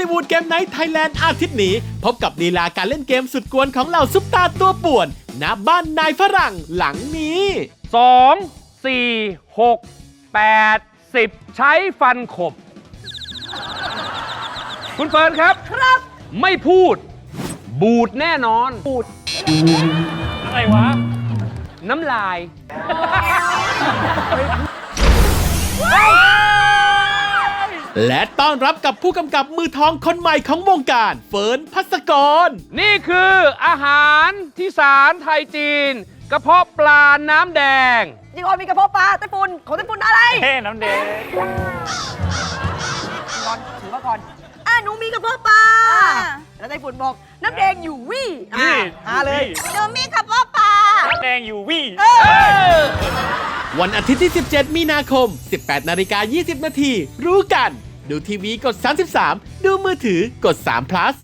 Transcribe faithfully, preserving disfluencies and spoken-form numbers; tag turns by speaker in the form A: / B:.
A: ลิวูดเกมไนท์ไทยแลนด์อาทิตย์นี้พบกับลีลาการเล่นเกมสุดกวนของเหล่าซุปตาตัวป่วนณบ้านนายฝรั่งหลังนี้
B: สอง สี่ หก แปด สิบ ใช้ฟันขบ คุณเฟิร์นครับ
C: ครับ
B: ไม่พูด บูดแน่นอน
C: บูด
B: อะไรวะ น้ำลาย
A: และต้อนรับกับผู้กำกับมือทองคนใหม่ของวงการเฟิร์นภัสกร
B: นี่คืออาหารที่สารไทยจีน กระเพาะปลาน้ำแดง
C: จีออนมีกระเพาะปลาไต้ฝุ่นของไต้ฝุ่นอะไร
B: เท่น้ำแดง
C: ก่อนถือว่าก่อนอ่ะหนูมีกระเพาะปลาแล้วไต้ฝุ่นบอกน้ำแดงอยู่วี่อ่ะอ่าเลยหนูมีกระเพาะปลา
B: น้ำแดงอยู่วี่
A: วันอาทิตย์ที่ สิบเจ็ด มีนาคม สิบแปดนาฬิกายี่สิบนาทีรู้กัน ดูทีวีกด สามสิบสาม ดูมือถือกด สาม plus